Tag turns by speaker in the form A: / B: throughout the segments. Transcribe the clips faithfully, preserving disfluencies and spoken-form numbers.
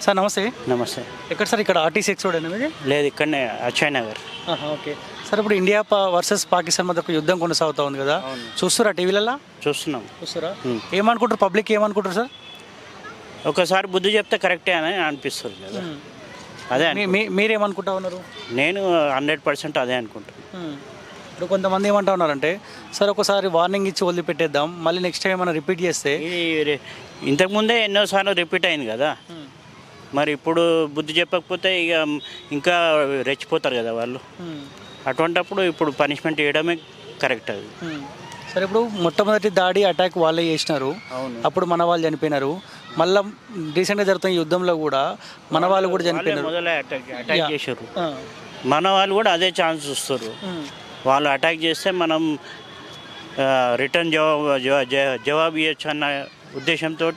A: Sir నమస్తే.
B: నమస్తే.
A: ఎక్కడ సార్? ఇక్కడ ఆర్టీసీ ఎక్స్ రోడ్ అనేది
B: లేదు, ఇక్కడనే అక్షయ్ నగర్.
A: ఓకే సార్, ఇప్పుడు ఇండియా వర్సెస్ పాకిస్తాన్ మధ్య ఒక యుద్ధం కొనసాగుతూ ఉంది కదా, చూస్తారా టీవీలలో?
B: చూస్తున్నాం.
A: చూస్తారా? ఏమనుకుంటారు పబ్లిక్, ఏమనుకుంటారు సార్?
B: ఒకసారి బుద్ధి చెప్తే కరెక్టే అని అనిపిస్తుంది కదా, అదే.
A: మీరేమనుకుంటా ఉన్నారు?
B: నేను హండ్రెడ్ పర్సెంట్ అదే అనుకుంటాను.
A: ఇప్పుడు కొంతమంది ఏమంటా ఉన్నారంటే, సార్ ఒకసారి వార్నింగ్ ఇచ్చి వదిలిపెట్టేద్దాం, మళ్ళీ నెక్స్ట్ టైం ఏమైనా రిపీట్ చేస్తే.
B: ఇది ఇంతకుముందే ఎన్నోసార్లు రిపీట్ అయింది కదా, మరి ఇప్పుడు బుద్ధి చెప్పకపోతే ఇక ఇంకా రెచ్చిపోతారు కదా వాళ్ళు. అటువంటప్పుడు ఇప్పుడు పనిష్మెంట్ చేయడమే కరెక్ట్ అది.
A: సరే, ఇప్పుడు మొట్టమొదటి దాడి అటాక్ వాళ్ళే చేసినారు, అప్పుడు మన వాళ్ళు చనిపోయినారు. మళ్ళీ రీసెంట్గా జరుగుతున్న యుద్ధంలో కూడా మన వాళ్ళు కూడా చనిపోయినారు.
B: మొదలే అటాక్ అటాక్ చేశారు, మన వాళ్ళు కూడా అదే ఛాన్స్ చూస్తారు. వాళ్ళు అటాక్ చేస్తే మనం రిటర్న్ జవాబు జవాబు ఇవ్వచ్చు అన్న ఉద్దేశంతో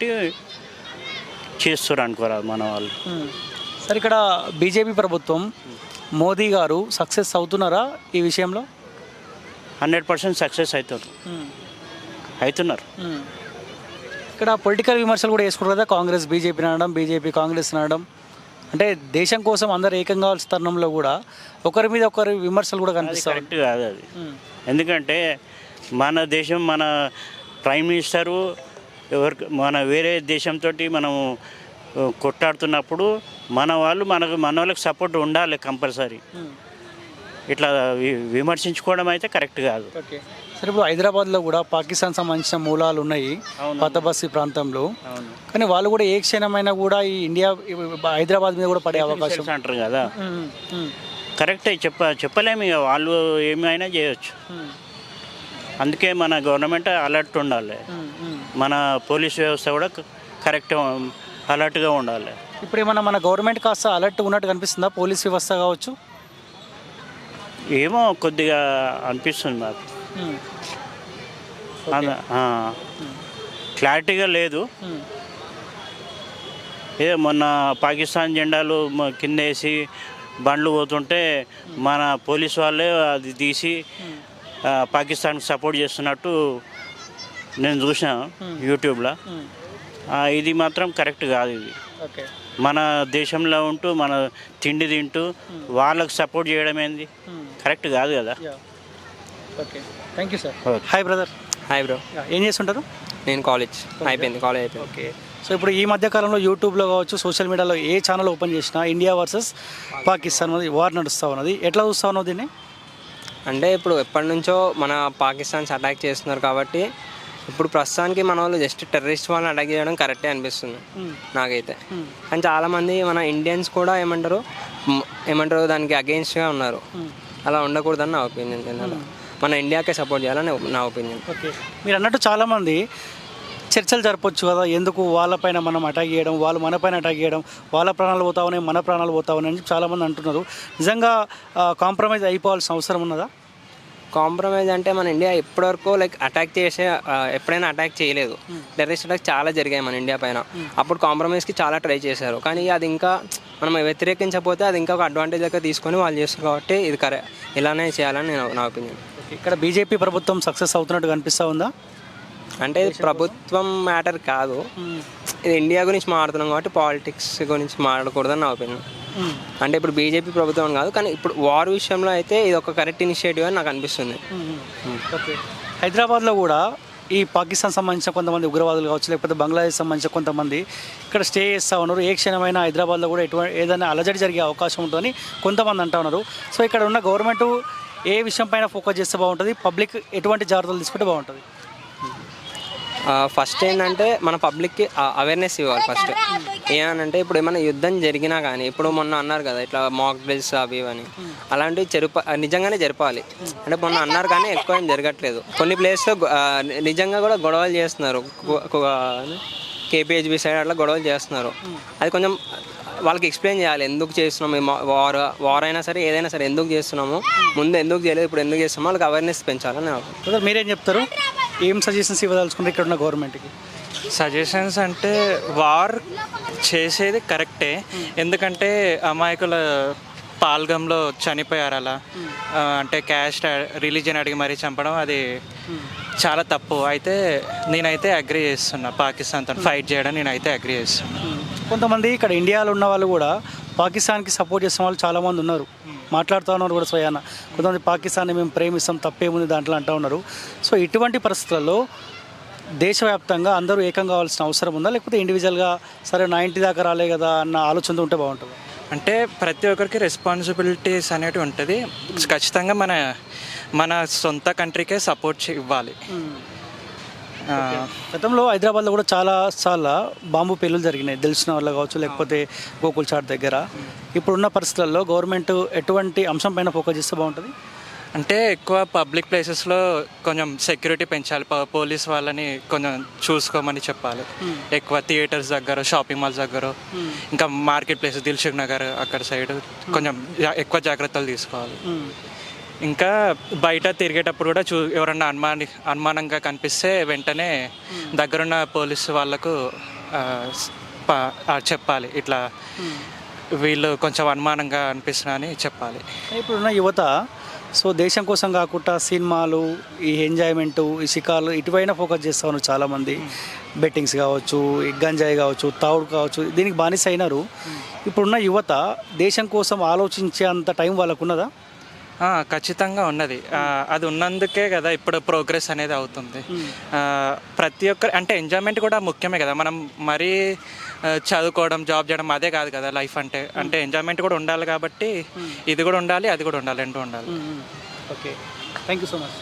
B: చేస్తారు అనుకోరా మన వాళ్ళు.
A: సరే, ఇక్కడ బీజేపీ ప్రభుత్వం మోదీ గారు సక్సెస్ అవుతున్నారా ఈ విషయంలో?
B: హండ్రెడ్ పర్సెంట్ సక్సెస్ అవుతారు అవుతున్నారు.
A: ఇక్కడ పొలిటికల్ విమర్శలు కూడా వేసుకుంటారు కదా, కాంగ్రెస్ బీజేపీ అనడం, బీజేపీ కాంగ్రెస్ అనడం. అంటే దేశం కోసం అందరు ఏకంగా కావాల్సిన తరుణంలో కూడా ఒకరి మీద ఒకరి విమర్శలు కూడా కనిపిస్తాయి.
B: కరెక్ట్ కాదు అది. ఎందుకంటే మన దేశం, మన ప్రైమ్ మినిస్టరు ఎవరికి మన వేరే దేశంతో మనం కొట్టాడుతున్నప్పుడు మన వాళ్ళు మనకు మన వాళ్ళకి సపోర్ట్ ఉండాలి కంపల్సరీ. ఇట్లా విమర్శించుకోవడం అయితే కరెక్ట్ కాదు.
A: ఓకే సరే, ఇప్పుడు హైదరాబాద్లో కూడా పాకిస్తాన్ సంబంధించిన మూలాలు ఉన్నాయి పాత బస్తీ ప్రాంతంలో, కానీ వాళ్ళు కూడా ఏ క్షణమైనా కూడా ఈ ఇండియా హైదరాబాద్ మీద కూడా పడే అవకాశం
B: అంటారు కదా. కరెక్టే, చెప్ప చెప్పలేము ఇక వాళ్ళు ఏమైనా చేయొచ్చు. అందుకే మన గవర్నమెంట్ అలర్ట్ ఉండాలి, మన పోలీస్ వ్యవస్థ కూడా కరెక్ట్ అలర్ట్గా ఉండాలి.
A: ఇప్పుడు ఏమన్నా మన గవర్నమెంట్ కాస్త అలర్ట్ ఉన్నట్టు కనిపిస్తుందా, పోలీస్ వ్యవస్థ కావచ్చు?
B: ఏమో కొద్దిగా అనిపిస్తుంది నాకు, క్లారిటీగా లేదు. ఏ మొన్న పాకిస్తాన్ జెండాలు కింద వేసి బండ్లు పోతుంటే మన పోలీస్ వాళ్ళే అది తీసి పాకిస్తాన్కి సపోర్ట్ చేస్తున్నట్టు నేను చూసాను యూట్యూబ్లో. ఇది మాత్రం కరెక్ట్ కాదు. ఇది మన దేశంలో ఉంటూ మన తిండి తింటూ వాళ్ళకు సపోర్ట్ చేయడం ఏంది, కరెక్ట్ కాదు కదా.
A: Okay, thank you sir. Hi brother.
C: Hi bro.
A: ఏం చేస్తుంటారు?
C: నేను కాలేజ్ అయిపోయింది, కాలేజ్ అయిపోయింది.
A: ఓకే, సో ఇప్పుడు ఈ మధ్యకాలంలో యూట్యూబ్లో కావచ్చు, సోషల్ మీడియాలో ఏ ఛానల్ ఓపెన్ చేసినా ఇండియా వర్సెస్ పాకిస్తాన్ అనేది వార్ నడుస్తూ ఉన్నది. ఎట్లా చూస్తూ ఉన్నావు దీన్ని?
C: అంటే ఇప్పుడు ఎప్పటి నుంచో మన పాకిస్తాన్స్ అటాక్ చేస్తున్నారు కాబట్టి ఇప్పుడు ప్రస్తుతానికి మన వాళ్ళు జస్ట్ టెర్రరిస్ట్ వాళ్ళని అటాక్ చేయడం కరెక్టే అనిపిస్తుంది నాకైతే. అండ్ చాలామంది మన ఇండియన్స్ కూడా ఏమంటారు ఏమంటారు దానికి అగెయిన్స్ట్గా ఉన్నారు. అలా ఉండకూడదని నా ఒపీనియన్. మన ఇండియాకే సపోర్ట్ చేయాలని నా ఒపీనియన్.
A: ఓకే, మీరు అన్నట్టు చాలామంది చర్చలు జరపచ్చు కదా, ఎందుకు వాళ్ళపైన మనం అటాక్ చేయడం, వాళ్ళు మన పైన అటాక్ చేయడం, వాళ్ళ ప్రాణాలు పోతావని మన ప్రాణాలు పోతావని అని చాలామంది అంటున్నారు. నిజంగా కాంప్రమైజ్ అయిపోవాల్సిన అవసరం ఉన్నదా?
C: కాంప్రమైజ్ అంటే మన ఇండియా ఇప్పటివరకు లైక్ అటాక్ చేసే ఎప్పుడైనా అటాక్ చేయలేదు. టెర్రరిస్ట్ అటాక్ చాలా జరిగాయి మన ఇండియా పైన. అప్పుడు కాంప్రమైజ్కి చాలా ట్రై చేశారు, కానీ అది ఇంకా మనం వ్యతిరేకించకపోతే అది ఇంకా ఒక అడ్వాంటేజ్ లెక్క తీసుకొని వాళ్ళు చేస్తారు కాబట్టి ఇది కరె ఇలానే చేయాలని నేను నా ఒపీనియన్.
A: ఇక్కడ బీజేపీ ప్రభుత్వం సక్సెస్ అవుతున్నట్టు కనిపిస్తూ ఉందా?
C: అంటే ఇది ప్రభుత్వం మ్యాటర్ కాదు, ఇది ఇండియా గురించి మాట్లాడుతున్నాం కాబట్టి పాలిటిక్స్ గురించి మాట్లాడకూడదని నా ఒపీనియన్. అంటే ఇప్పుడు బీజేపీ ప్రభుత్వం కాదు, కానీ ఇప్పుడు వార్ విషయంలో అయితే ఇది ఒక కరెక్ట్ ఇనిషియేటివ్ అని నాకు అనిపిస్తుంది.
A: ఓకే, హైదరాబాద్లో కూడా ఈ పాకిస్తాన్ సంబంధించిన కొంతమంది ఉగ్రవాదులు కావచ్చు, లేకపోతే బంగ్లాదేశ్ సంబంధించిన కొంతమంది ఇక్కడ స్టే చేస్తూ ఉన్నారు. ఏ క్షణమైనా హైదరాబాద్లో కూడా ఎటువంటి ఏదైనా అలజడి జరిగే అవకాశం ఉంటుందని కొంతమంది అంటూ ఉన్నారు. సో ఇక్కడ ఉన్న గవర్నమెంట్ ఏ విషయం పైన ఫోకస్ చేస్తే బాగుంటుంది, పబ్లిక్ ఎటువంటి జాగ్రత్తలు తీసుకుంటే బాగుంటుంది?
C: ఫస్ట్ ఏంటంటే మన పబ్లిక్కి అవేర్నెస్ ఇవ్వాలి. ఫస్ట్ ఏమనంటే ఇప్పుడు ఏమైనా యుద్ధం జరిగినా కానీ, ఇప్పుడు మొన్న అన్నారు కదా ఇట్లా మాక్ డ్రిల్స్ అవి ఇవని, అలాంటివి జరుప నిజంగానే జరపాలి. అంటే మొన్న అన్నారు కానీ ఎక్కువ ఏం జరగట్లేదు. కొన్ని ప్లేస్లో నిజంగా కూడా గొడవలు చేస్తున్నారు, కేపీహెచ్బి సైడ్ అట్లా గొడవలు చేస్తున్నారు. అది కొంచెం వాళ్ళకి ఎక్స్ప్లెయిన్ చేయాలి, ఎందుకు చేస్తున్నాము ఈ వార్ వార్ అయినా సరే ఏదైనా సరే ఎందుకు చేస్తున్నాము, ముందు ఎందుకు చేయలేదు, ఇప్పుడు ఎందుకు చేస్తున్నామో వాళ్ళకి అవేర్నెస్ పెంచాలని.
A: మీరేం చెప్తారు? ఏం సజెషన్స్ ఇవ్వదలుచుకుంటే ఇక్కడ ఉన్న గవర్నమెంట్కి?
D: సజెషన్స్ అంటే వార్ చేసేది కరెక్టే, ఎందుకంటే అమాయకుల పాల్గంలో చనిపోయారు అలా, అంటే క్యాస్ట్ రిలీజియన్ అడిగి మరీ చంపడం అది చాలా తప్పు. అయితే నేనైతే అగ్రీ చేస్తున్నా, పాకిస్తాన్తో ఫైట్ చేయడం నేనైతే అగ్రీ చేస్తున్నా.
A: కొంతమంది ఇక్కడ ఇండియాలో ఉన్న వాళ్ళు కూడా పాకిస్తాన్కి సపోర్ట్ చేసిన వాళ్ళు చాలామంది ఉన్నారు, మాట్లాడుతూ ఉన్నారు కూడా స్వయాన. కొంతమంది పాకిస్తాన్ని మేము ప్రేమిస్తాం తప్పేముంది దాంట్లో అంటూ ఉన్నారు. సో ఇటువంటి పరిస్థితులలో దేశవ్యాప్తంగా అందరూ ఏకం కావాల్సిన అవసరం ఉందా, లేకపోతే ఇండివిజువల్గా సరే నా ఇంటి దాకా రాలే కదా అన్న ఆలోచనతో ఉంటే బాగుంటుంది?
D: అంటే ప్రతి ఒక్కరికి రెస్పాన్సిబిలిటీస్ అనేవి ఉంటుంది. ఖచ్చితంగా మన మన సొంత కంట్రీకే సపోర్ట్ ఇవ్వాలి. ఆ,
A: గతంలో హైదరాబాద్లో కూడా చాలా చాలా బాంబు పేలులు జరిగినాయి, తెలిసిన వాళ్ళు కావచ్చు లేకపోతే గోకుల్ చాట్ దగ్గర. ఇప్పుడున్న పరిస్థితుల్లో గవర్నమెంట్ ఎటువంటి అంశం పైన ఫోకస్ చేస్తే బాగుంటుంది?
D: అంటే ఎక్కువ పబ్లిక్ ప్లేసెస్లో కొంచెం సెక్యూరిటీ పెంచాలి, ప- పోలీస్ వాళ్ళని కొంచెం చూసుకోమని చెప్పాలి. ఎక్కువ థియేటర్స్ దగ్గర, షాపింగ్ మాల్స్ దగ్గర, ఇంకా మార్కెట్ ప్లేస్ దిల్సుఖ్ నగర్ అక్కడ సైడ్ కొంచెం జా- ఎక్కువ జాగ్రత్తలు తీసుకోవాలి. ఇంకా బయట తిరిగేటప్పుడు కూడా చూ ఎవరన్నా అనుమాని అనుమానంగా కనిపిస్తే వెంటనే దగ్గరున్న పోలీసు వాళ్ళకు ఆ, స్- ప- ఆ, చెప్పాలి, ఇట్లా వీళ్ళు కొంచెం అనుమానంగా అనిపిస్తున్నా అని చెప్పాలి.
A: ఇప్పుడున్న యువత సో దేశం కోసం కాకుండా సినిమాలు, ఈ ఎంజాయ్మెంటు, ఈ షికార్లు ఇటువైనా ఫోకస్ చేస్తూ ఉన్నారు చాలామంది. బెట్టింగ్స్ కావచ్చు, ఈ గంజాయి కావచ్చు, తావుడు కావచ్చు, దీనికి బానిస అయినారు. ఇప్పుడున్న యువత దేశం కోసం ఆలోచించే అంత టైం వాళ్ళకు ఉన్నదా?
D: ఆ, ఖచ్చితంగా ఉన్నది. ఆ, అది ఉన్నందుకే కదా ఇప్పుడు ప్రోగ్రెస్ అనేది అవుతుంది. ఆ, ప్రతి ఒక్కరు అంటే ఎంజాయ్మెంట్ కూడా ముఖ్యమే కదా. మనం మరీ ఆ, చదువుకోవడం, జాబ్ చేయడం అదే కాదు కదా లైఫ్ అంటే. అంటే ఎంజాయ్మెంట్ కూడా ఉండాలి కాబట్టి ఇది కూడా ఉండాలి, అది కూడా ఉండాలి, రెండు ఉండాలి.
A: Okay, thank you so much.